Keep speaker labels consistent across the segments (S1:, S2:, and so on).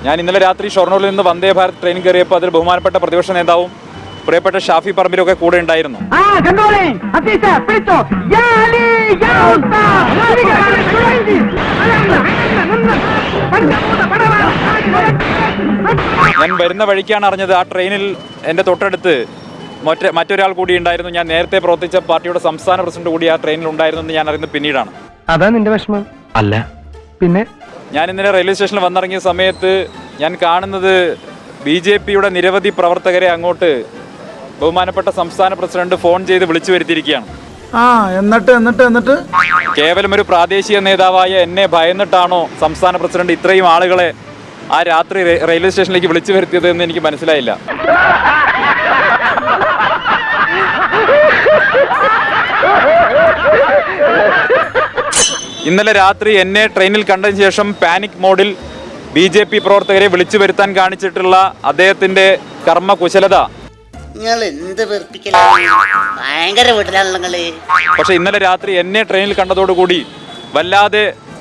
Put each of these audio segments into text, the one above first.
S1: ഞാൻ ഇന്നലെ രാത്രി ഷൊർണൂരിൽ നിന്ന് വന്ദേ ഭാരത് ട്രെയിൻ കയറിയപ്പോൾ അതിൽ ബഹുമാനപ്പെട്ട പ്രതിപക്ഷ നേതാവും പ്രിയപ്പെട്ട ഷാഫി പറമ്പിലൊക്കെ കൂടെ ഉണ്ടായിരുന്നു. ഞാൻ വരുന്ന വഴിക്കാണ് അറിഞ്ഞത് ആ ട്രെയിനിൽ എൻ്റെ തൊട്ടടുത്ത് മറ്റൊരാൾ കൂടി ഉണ്ടായിരുന്നു. ഞാൻ നേരത്തെ പ്രവർത്തിച്ച പാർട്ടിയുടെ സംസ്ഥാന പ്രസിഡന്റ് കൂടി ആ ട്രെയിനിൽ ഉണ്ടായിരുന്നു എന്ന് ഞാൻ അറിയുന്നത് പിന്നീടാണ്.
S2: അതാ നിന്റെ വിഷമം? അല്ല, പിന്നെ
S1: ഞാൻ ഇന്നലെ റെയിൽവേ സ്റ്റേഷനിൽ വന്നിറങ്ങിയ സമയത്ത് ഞാൻ കാണുന്നത് BJPയുടെ നിരവധി പ്രവർത്തകരെ അങ്ങോട്ട് ബഹുമാനപ്പെട്ട സംസ്ഥാന പ്രസിഡന്റ് ഫോൺ ചെയ്ത് വിളിച്ചു വരുത്തിയിരിക്കുകയാണ്.
S3: എന്നിട്ട്
S1: കേവലം ഒരു പ്രാദേശിക നേതാവായ എന്നെ ഭയന്നിട്ടാണോ സംസ്ഥാന പ്രസിഡന്റ് ഇത്രയും ആളുകളെ ആ രാത്രി റെയിൽവേ സ്റ്റേഷനിലേക്ക് വിളിച്ചു വരുത്തിയത് എന്ന് എനിക്ക് മനസ്സിലായില്ല. ഇന്നലെ രാത്രി എന്നെ ട്രെയിനിൽ കണ്ടതിന് ശേഷം പാനിക് മോഡിൽ BJP പ്രവർത്തകരെ വിളിച്ചു വരുത്താൻ കാണിച്ചിട്ടുള്ള അദ്ദേഹത്തിന്റെ കർമ്മകുശലത. പക്ഷെ ഇന്നലെ രാത്രി എന്നെ ട്രെയിനിൽ കണ്ടതോടുകൂടി വല്ലാതെ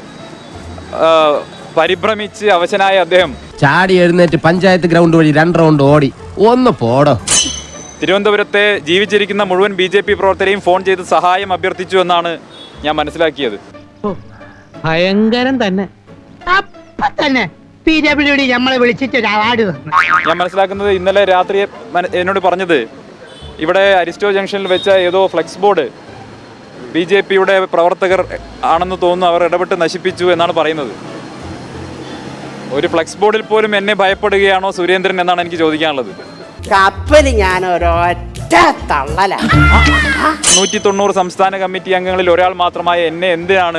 S1: പരിഭ്രമിച്ച് അവശനായ അദ്ദേഹം
S4: ചാടി എഴുന്നേറ്റ് പഞ്ചായത്ത് ഗ്രൗണ്ട് വഴി 2 റൗണ്ട് ഓടി. ഒന്ന് പോടോ.
S1: തിരുവനന്തപുരത്തെ ജീവിച്ചിരിക്കുന്ന മുഴുവൻ BJP പ്രവർത്തകരെയും ഫോൺ ചെയ്ത് സഹായം അഭ്യർത്ഥിച്ചു എന്നാണ് ഞാൻ മനസ്സിലാക്കിയത്.
S5: ഭയങ്കരം തന്നെ.
S1: ഞാൻ മനസ്സിലാക്കുന്നത് ഇന്നലെ രാത്രി എന്നോട് പറഞ്ഞത് ഇവിടെ അരിസ്റ്റോ ജംഗ്ഷനിൽ വെച്ച ഏതോ ഫ്ലെക്സ് ബോർഡ് BJPയുടെ പ്രവർത്തകർ ആണെന്ന് തോന്നുന്നു അവർ ഇടപെട്ട് നശിപ്പിച്ചു എന്നാണ് പറയുന്നത്. ഒരു ഫ്ലെക്സ് ബോർഡിൽ പോലും എന്നെ ഭയപ്പെടുകയാണോ സുരേന്ദ്രൻ എന്നാണ് എനിക്ക് ചോദിക്കാനുള്ളത്.
S6: കപ്പല് ഞാൻ ഒരൊറ്റ തള്ളല.
S1: 190 സംസ്ഥാന കമ്മിറ്റി അംഗങ്ങളിൽ ഒരാൾ മാത്രമായ എന്നെ എന്തിനാണ്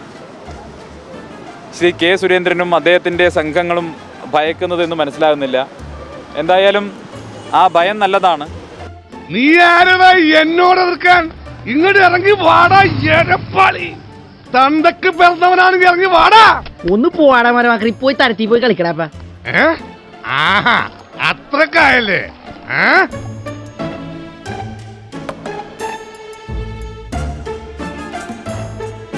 S1: ശ്രീ K. സുരേന്ദ്രനും അദ്ദേഹത്തിൻ്റെ സംഘങ്ങളും ഭയക്കുന്നത് എന്ന് മനസ്സിലാകുന്നില്ല. എന്തായാലും ആ ഭയം നല്ലതാണ്.
S7: നീ ആരടാ എന്നോട് എതിർക്കാൻ? ഇങ്ങോട്ട് ഇറങ്ങി വാടാ എരപ്പാളി. തന്തക്ക് പിറന്നവനാണെങ്കിൽ ഇറങ്ങി വാടാ.
S5: ഒന്ന് പോവാടാ മരമാക്കി പോയി തരത്തി പോയി കളിക്കടാ.
S7: അത്രക്കായല്ലേ?